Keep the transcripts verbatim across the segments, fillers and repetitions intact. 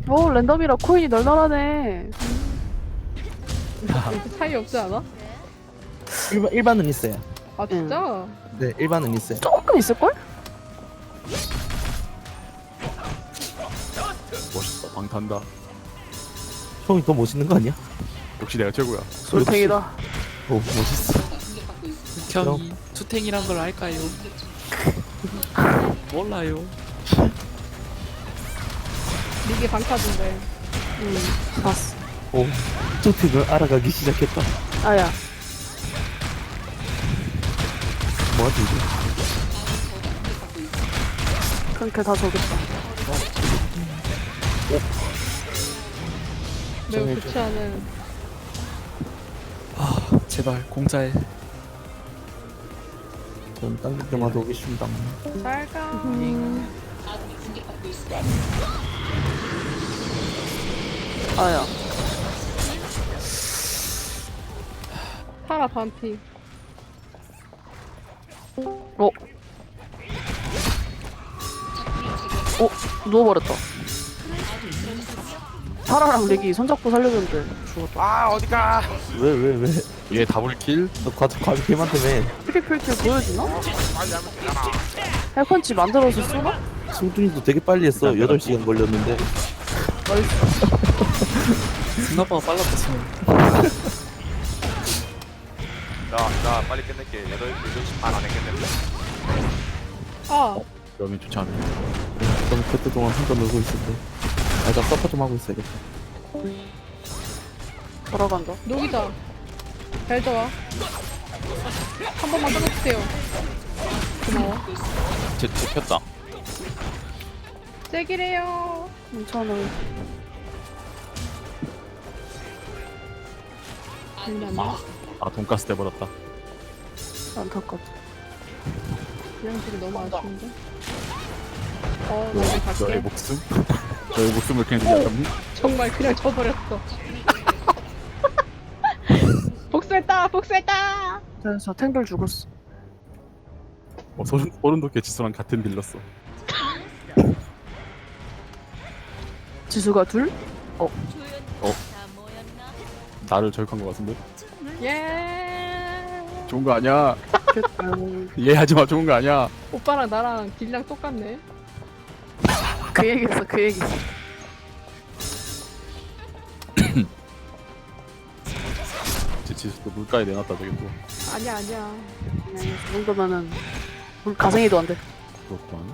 오 랜덤이라 코인이 널널하네. 이렇게 차이 없지 않아? 일반, 일반은 있어요. 아 진짜? 네, 일반은 있어요. 조금 있을걸? 멋있다. 방탄다. 형이 더 멋있는 거 아니야? 역시 내가 최고야. 솔탱이다. 오, 멋있어. 형이 투탱이란 걸 알까요? 몰라요. 이게 방타인데. 응 봤어. 오, 저택을 알아가기 시작했다. 아야 뭐하지, 이제? 그렇게 다 저겠다. 매우 정해줘. 좋지 않은. 아 제발 공짜에. 전 당길 때마다 오겠습니다. 잘가. 음. 아야 파라 반피. 어? 어? 누워버렸다. 파라랑 렉이 손잡고 살려줬는데 죽었다. 아 어디가? 왜, 왜, 왜? 얘 다블킬? 너 과자, 과자 개만 때문에 트리플킬 보여주나? 헬펀치 만들어서 쏘나? 승준이도 되게 빨리 했어. 여덟 시간 걸렸는데. 생각보다 빨랐다 지금. 나, 나 빨리 끝낼게. 여덟, 여덟 시 반 안에 끝낼게. 아 그러면 좋지 않네. 그럼 그때 동안 혼자 놀고 있을 때. 아, 나 서퍼 좀 하고 있어야겠다. 돌아간다. 녹이자. 잘 좋아. 한 번만 끊어주세요. 고마워. 제, 제 켰다. 잭이래요. 괜찮아. 장난이야. 아 돈가스 돼버렸다. 안타깝다. 그냥 되게 너무 아쉬운데. 어, 나 이제 갈게. 너의 목숨? 너의 목숨을 그냥 생각하니? 정말 그냥 져버렸어. 복수했다, 복수했다. 그래서 탱글 죽었어. 어, 소름, 소름 돋게 지수랑 같은 딜렀어. 지수가 둘? 나를 저격한 것 같은데? 예. 좋은 거 아니야. 그, 이해하지마. 좋은 거 아니야. 오빠랑 나랑 딜량 똑같네. 그 얘기했어 그 얘기. 제 지수도 물가에 내놨다 저게 또. 아니야, 아니야. 네, 그 정도면은 물 가생이도 안 돼. 그렇구만.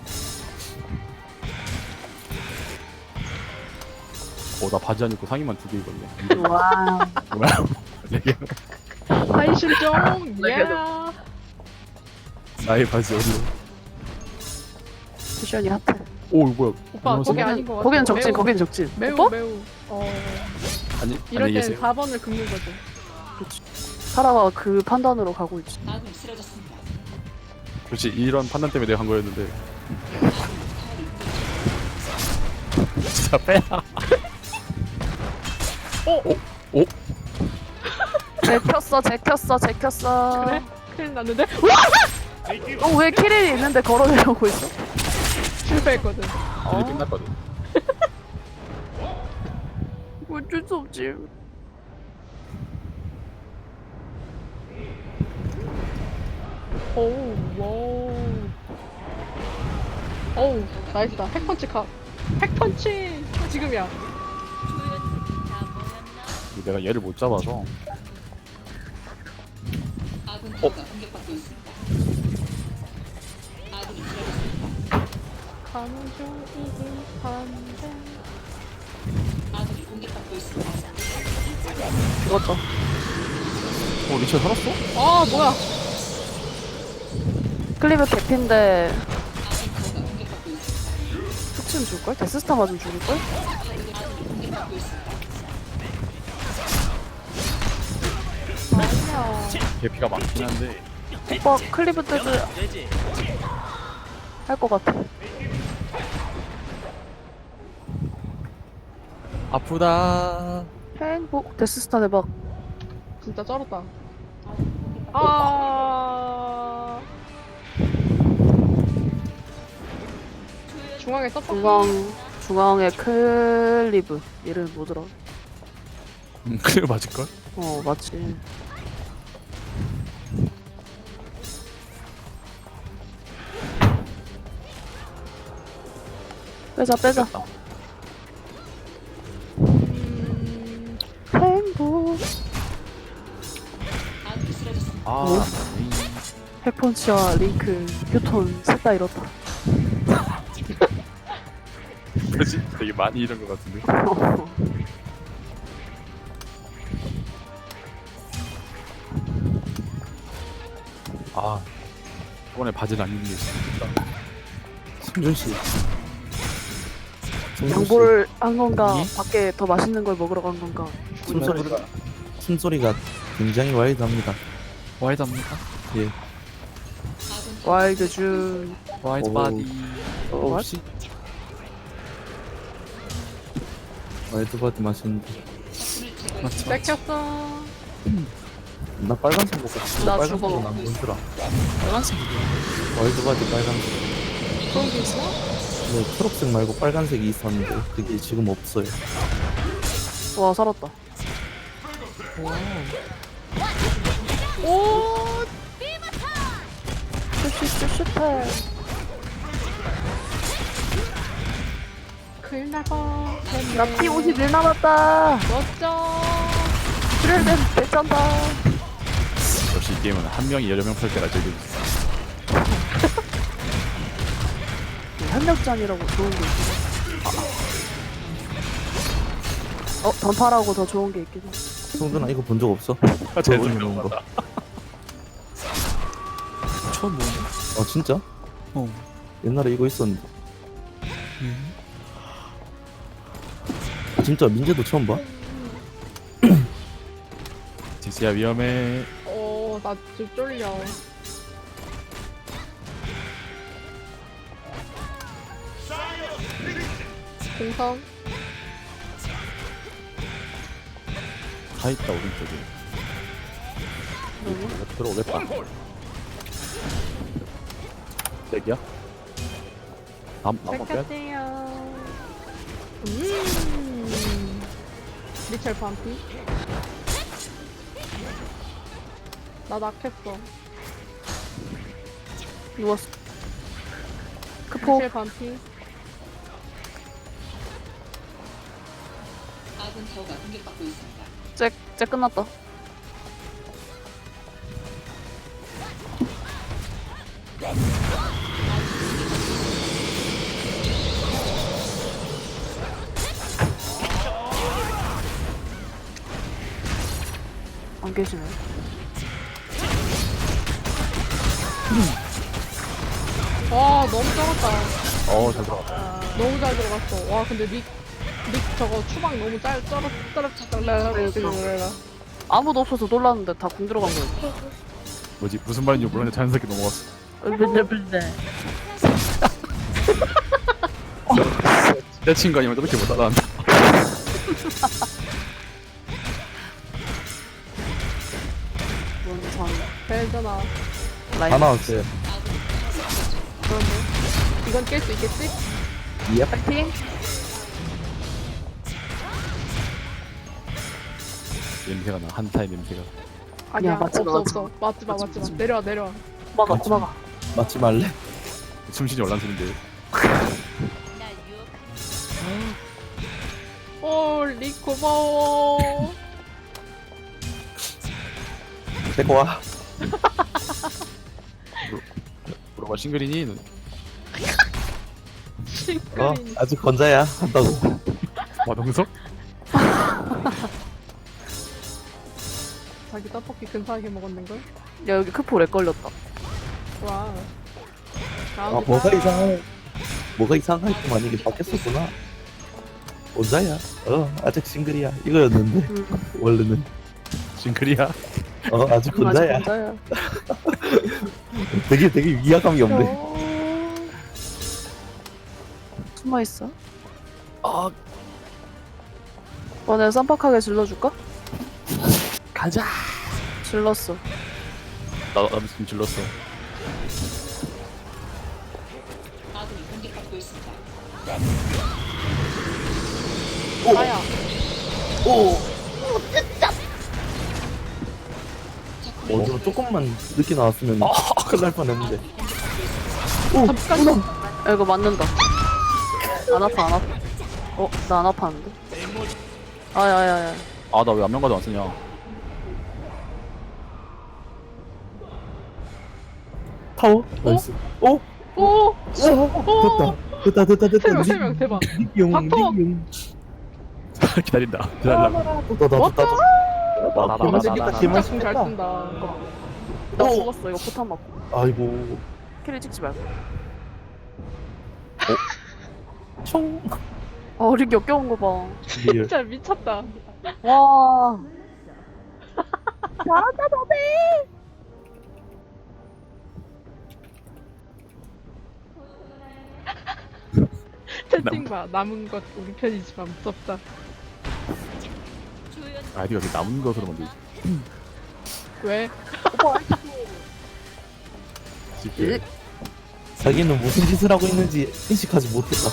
어, 나 바지 안 입고 상의만 두 개 입었네. 와. 뭐야? 이게 한실 좀. 예. 나의 바지 어디로? 쿠션이 핫해. 오, 이거 뭐야? 오빠, 안녕하세요? 거기 아닌 것 같아. 거기는 적진 매우, 거기는 적진. 매우, 오빠? 매우. 어. 아니, 이럴 안녕히 땐 계세요. 사 번을 긁는 거죠. 사라가 그 판단으로 가고 있지. 그렇지, 이런 판단 때문에 내가 한 거였는데. 진짜 빼야. 어? 오? 제켰어 제켰어 제켰어. 그래? 큰일 났는데? 어왜 키릴이 있는데 걸어내려고 있어? 실패했거든. 딜이 끝났거든. 어쩔 수 없지. 오우, 와우. 어우, 나이스다. 핵펀치 카. 핵펀치! 지금이야. 내가 얘를 못 잡아서. 가는 중 이긴 반대. 죽었다. 어, 리처 살았어? 아, 뭐야. 클리브 개피인데 툭치면 죽을걸? 데스스타 맞으면 죽을걸? 아니야. 개피가 많긴 한데. 오빠 클리브 때도 할 것 같아. 아프다. 행복 데스스타 대박. 진짜 쩔었다. 아. 중앙에 서퍼. 중앙 중앙에 클리브. 이름 뭐더라? 음, 그래 맞을걸? 어, 맞지. 빼자, 빼자. 음, 행복. 아 핵펀치와 링크, 휴톤, 셋 다 이렇다. 그지? 되게 많이 이런 것 같은데. 아 저번에 바지를 안 입는 게 있어. 승준씨. 양보를 한 건가? 예? 밖에 더 맛있는 걸 먹으러 간 건가? 숨소리가, 숨소리가 굉장히 와일드합니다. 와이드합니까? 예. 와일드 준. 와이드 오. 바디. 어, What? 씨. 와일드바디 맛있는데. 맞죠? 뺏겼어. 나 빨간색 먹고 싶어. 나 빨간색은 죽어. 안 보이더라. 빨간색이요. 와일드바디 빨간색. 그런 게 있어? 네, 초록색 말고 빨간색이 있었는데 그게 지금 없어요. 와, 살았다. 오, 슈슈슈슈패. 큰일 날뻔. 나 피 오십일 남았다. 멋져. 출혈된 대짠다. 역시 이 게임은 한 명이 여러 명 펼 때가 제일 재밌어. 협력전이라고 좋은 게 있긴 해. 어, 던파라고 더 좋은 게 있긴 해. 성준아 이거 본 적 없어? 아, 제일 저번에 재밌는 나온 거. 처음 보네. 어 진짜? 어. 옛날에 이거 있었는데. 음. 진짜 민재도 처음 봐? 지수야 위험해. 어, 나 좀 쫄려. 공성. 다 있다 오른쪽에. 들어오겠다. 렉이야? 남 남아 빼. 뺏겼대요. 음. 리첼 반피. 나 낙했어. 누웠어. 크포. 리첼 반피. 잭, 잭 끝났다. 안 계시네. 와, 너무 쩔었다. 어잘 들어갔다. 너무 잘 들어갔어. 와, 근데 닉, 닉 저거 추방 너무 짤, 쩔었, 쩔었, 쩔었, 아무도 없어서 놀랐는데 다 공 들어간 거였어. 뭐지 무슨 말인지 모르는데 자연스럽게 넘어갔어. 근데 근데 내 친구 아니면 저렇게 못 따라한다. 원상 벨잖아. 라인. 다 나왔어요. 그런데. 이건 깰 수 있겠지? 예. 파이팅. 냄새가 나. 한타의 냄새가. 아니야, 맞지 마, 없어, 맞지 없어. 맞지 마, 맞지 마. 내려와, 내려와. 막아, 맞지. 막아. 맞지 말래? 숨쉬니 올란스인데. 오, 릭 고마워. 데리고 와. 물어봐 싱글이니? 어? 싱크린. 아직 건자야 한다고. 마동석? 자기 떡볶이 근사하게 먹었는걸? 야, 여기 크포 렉 걸렸다. 와. 아 뭐가 이상해. 뭐가 이상할뿐만 이게 바뀌었었구나. 혼자야. 어 아직 싱글이야. 이거였는데 음. 원래는. 싱글이야? 어 아직 혼자야. 혼자야. 되게 되게 위화감이 없네. 어... 숨어 있어. 아 어, 내가 쌈박하게 질러줄까? 가자. 질렀어. 나 나도 지금 질렀어. 나야. 어디로 조금만 늦게 나왔으면 큰일 날 뻔했는데. 잠깐. 야, 이거 맞는다. 안 아파, 안 아파. 어, 나 안 아파하는데? 아야야야. 아, 나 왜 안면가도 안 쓰냐. 타워? 나이스. 오! 오. 됐다. 됐다, 됐다, 됐다. 세 명, 세 명, 대박. 닉용, 박터! 닉용. 기다린다. 기다리려고. 됐다, 됐다, 됐다. 나, 나, 나, 나, 나, 진짜 나. 진짜 궁잘 쓴다. 나 오! 죽었어, 이거 포탄 맞고. 아이고. 키를 찍지 말고. 총. 아, 우리 역겨운 거 봐. 리얼. 진짜 미쳤다. 와. 잘한다, 너네! 채팅 봐. 남은 것 우리 편이지만 무섭다. 아이디가 이렇게 남은 것으로 만들지. 왜? 쉽게. 자기는 무슨 짓을 하고 있는지 인식하지 못했다.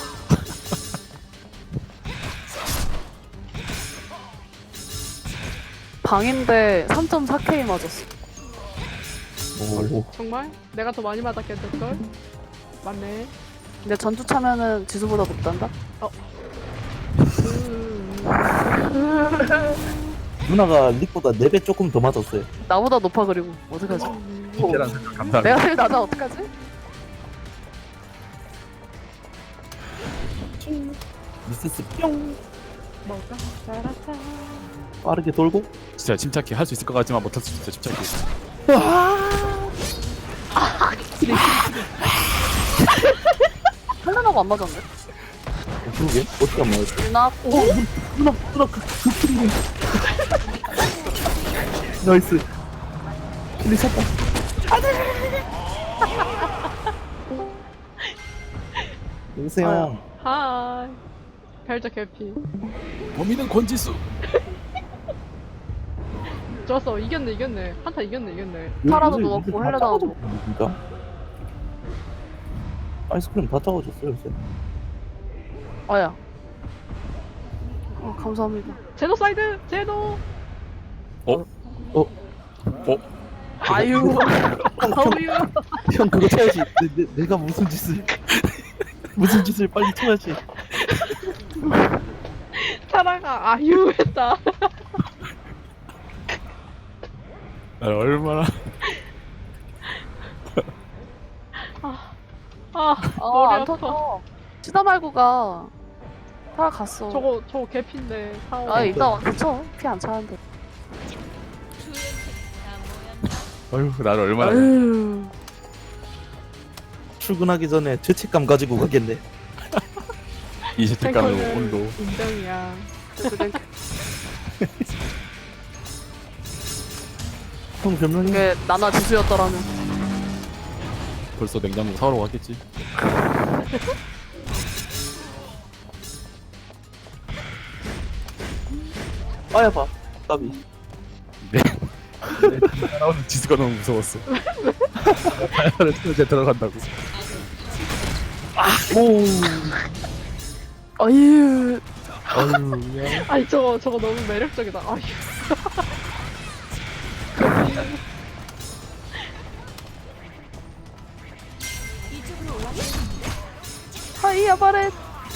방인데 삼 점 사 케이 맞았어. 오. 정말? 내가 더 많이 맞았겠을걸? 맞네. 근데 전투 차면은 지수보다 높단다? 누나가 릭보다 네 배 조금 더 맞았어요. 나보다 높아, 그리고. 어떡하지? 쉽게란 생각 감사합니다. 내가 제일 낮아, 어떡하지? 미세스 뿅. 뭐가 살았다. 빠르게 돌고. 진짜 침착해. 할 수 있을 것 같지만 못할 수 있어. 침착해. 헬레나가 안 맞았는데? 어, 그러게. 어떻게 안 맞았어? 유나, 오! 누나, 누나, 그, 그 프리링. 나이스. 킬리 샀다. 여보세요. 하이. 별적 해피. 범인은 권지수. 좋았어. 이겼네, 이겼네. 한타 이겼네, 이겼네. 파라도 요새 누웠고 다 헬레나도 작아졌네, 진짜. 아이스크림 다 작아졌어요, 요새. 아야. 어, 감사합니다. 제노사이드! 제노! 어? 어? 어? 아유. 아유. 형, 그거 쳐야지. 내, 내, 내가 무슨 짓을. 무슨 짓을 빨리 쳐야지. 타라가 아유 했다. 나 얼마나. 아, 아, 머리 안 아파. 터져. 치다 말고 가. 타라 갔어. 저거, 저거 개피인데. 사오. 아, 이따 와서 쳐. 피 안 차는데. 어휴, 나를 얼마나. 아유. 출근하기 전에 죄책감 가지고 가겠네. 이 죄책감의 탱커는 온도. 인정이야. 형 별명이 그게 나나 지수였더라면. 벌써 냉장고 사오러 갔겠지. 빠야 봐. 까비. 네. 나오는 지수가 너무 무서웠어. 다이아를 틀어제 들어간다고. 오. 아유. 아유, 야. 아니, 저거, 저거 너무 매력적이다. 아유. 하이야, 바렛.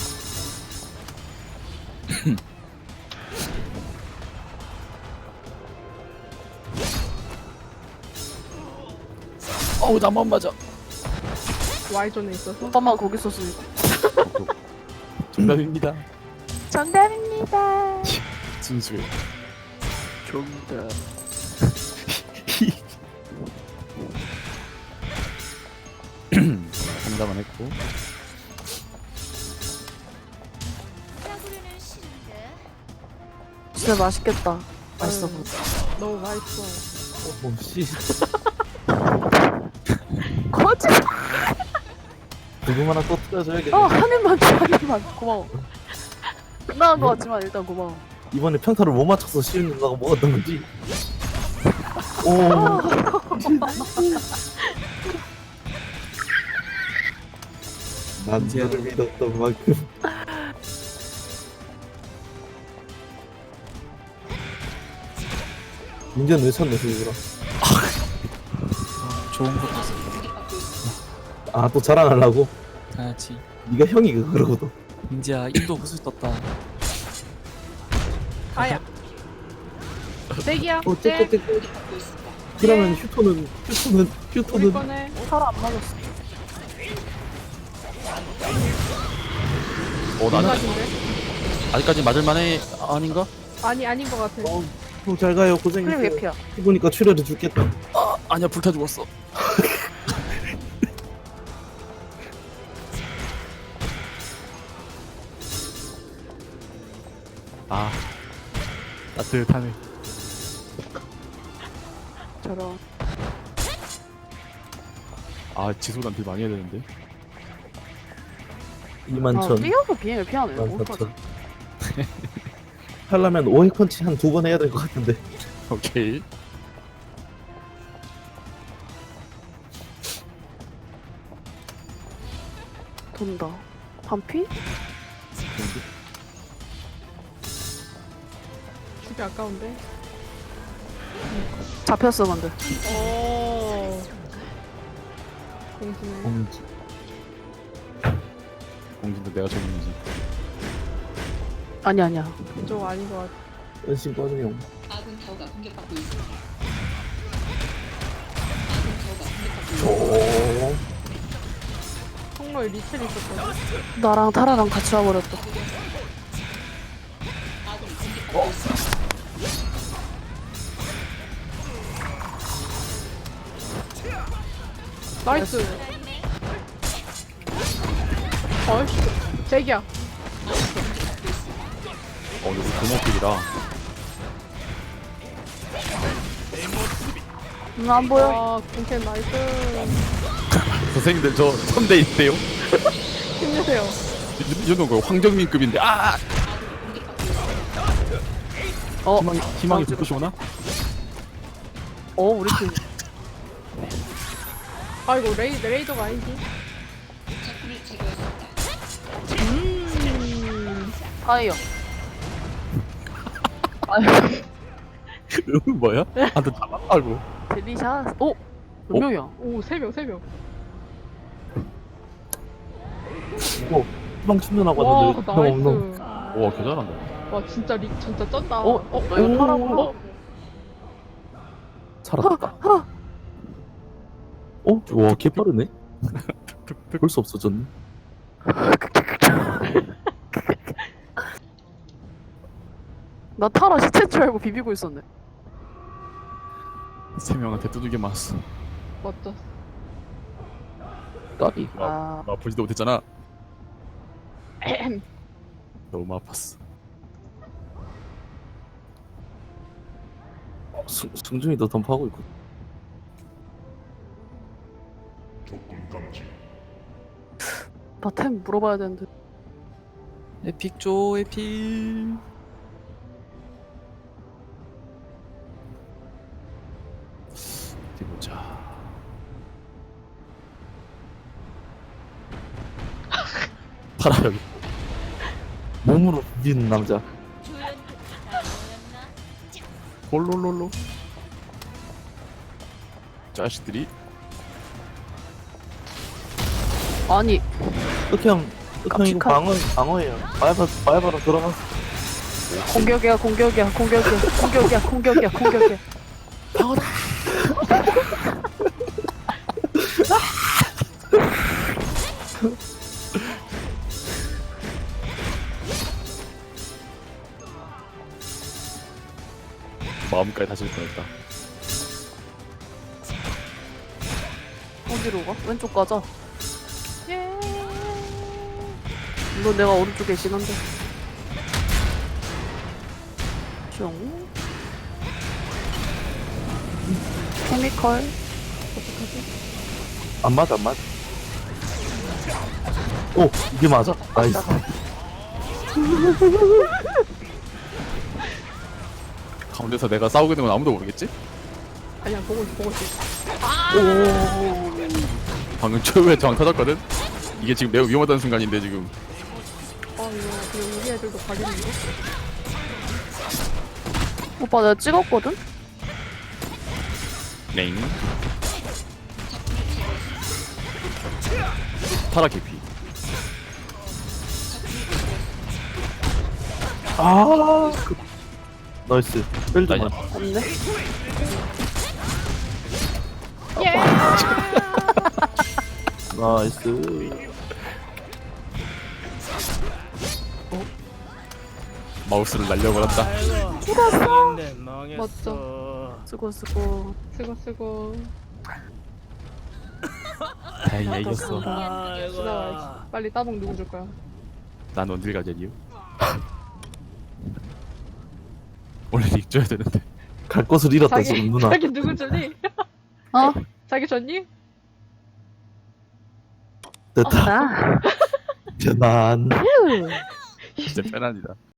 어우, 나만 맞아. Y존에 있어서. 오빠만 거기 있었으니까. 정답입니다. 정답입니다. 진수해. 정답. 상담은 했고. 진짜 맛있겠다. 맛있어 보여. 너무 맛있어. 오, 씨. 거짓. 지금 하나 또 틀어줘야겠네. 어, 한 입만 줘, 한 입만. 고마워. 끝나간 거 같지만 일단 고마워. 이번에 평타를 못 맞춰서 쉬운 누나가 먹었던 거지. 오. 난 이제야. 너를 믿었던 만큼. 민재는 왜 쳤네 그거라. 어, 좋은 거 같아. 아또 자랑하려고? 당연하지. 네가 형이 그러거든. 민지야 인도 구슬 떴다. 아야. 떼기야. 어 떼. 떼떼떼. 그러면 휴토는 휴토는 우리 휴토는 거네. 살아 안 맞았어. 어 나는 대박인데? 아직까지 맞을만해 아닌가? 아니 아닌 것 같아. 어, 형 잘 가요 클립 고생했어요. 개피야. 해보니까 출혈해 죽겠다. 아니야 불타 죽었어. 아 따뜻하네. 저런. 아 지소단 딜 많이 해야 되는데. 이만 아, 천. 뛰어서 비행을 피하네. 이만 어떡하지? 사천. 하려면 오핵 펀치 한 두 번 해야 될 것 같은데. 오케이. 돈다. 반피? 죽이 아까운데. 잡혔어 근데. 오. 공주네. 음, 공진도 내가 전문이지. 아니 아니야. 그쪽 아닌 것 같아. 은신 꺼주용. 오. 정말 리첼 있었거든. 나랑 타라랑 같이 와버렸다. 나이스. 어이씨. 제기야. 어 여기 고목길이라. 음, 안 보여. 와, 공캔 나이스. 선생님들 저 선대인데요. 힘내세요. 이 정도는 거의 황정민급인데. 아 어. 희망이 희망이 불꽃이 오나? 어 우리 팀. 아이고 레이 레이더가 아니지. 음. 파이어. 아유. 이건 뭐야? 한테 잡아가고. 델리샷. 오. 몇 어? 명이야? 오세 명 세 명. 이거 희망 충전하고 와 왔는데 형 없노. 나이스. 와 개잘한다. 와 진짜 리 진짜 쩐다. 어? 너 이거 타라 불러? 살았다. 어? 와 개빠르네. 벌써 없어졌네. 나 타라 시체인 줄 알고 비비고 있었네. 세 명한테 두들겨 맞았어. 멋져. 까비. 아. 나 보지도 못했잖아. 에헴. 너무 아팠어. 승, 승준이도 덤프하고 있고. 나 템 물어봐야 되는데. 에픽 줘 에픽. 어디 보자. 파라 여기. 몸으로 비비는 남자. 홀롤롤로. 자식들이. 아니. 흑형, 흑형 이거 깜찍한- 방어, 방어예요. 바이바, 바이바로 들어갔어. 공격이야 공격이야 공격이야 공격이야 공격이야 공격이야. 마음까지 다질 뻔했다. 어디로 가? 왼쪽 가자. 예. 이거 내가 오른쪽에 있긴 한데. 숑. 케미컬. 안 맞아, 안 맞아. 오, 이게 맞아? 나이스. 가운데서 내가 싸우게 되면 아무도 모르겠지? 아니야 보고 있어 보고 있어. 오, 방금 최후의 저항 터졌거든? 이게 지금 매우 위험하다는 순간인데 지금. 아 이거 그래 우리 애들도 가겠는데? 오빠 내가 찍었거든? 넹. 타라 개피. 아 그... 나이스 뺄드만 없네. 예! 나이스 마우스를 날려버렸다. 멋져. 쓰고 쓰고. 쓰고 쓰고. 다행이야 이겼어. 지나와. 빨리 따봉 누구 줄 거야? 난 어딜 가자니요? 원래 닉 줘야 되는데. 갈 곳을 잃었다 자기 지금 누나 자기 누구 주니? 어? 자기 줬니? 됐다 나. 재난 휴. 진짜 편안이다.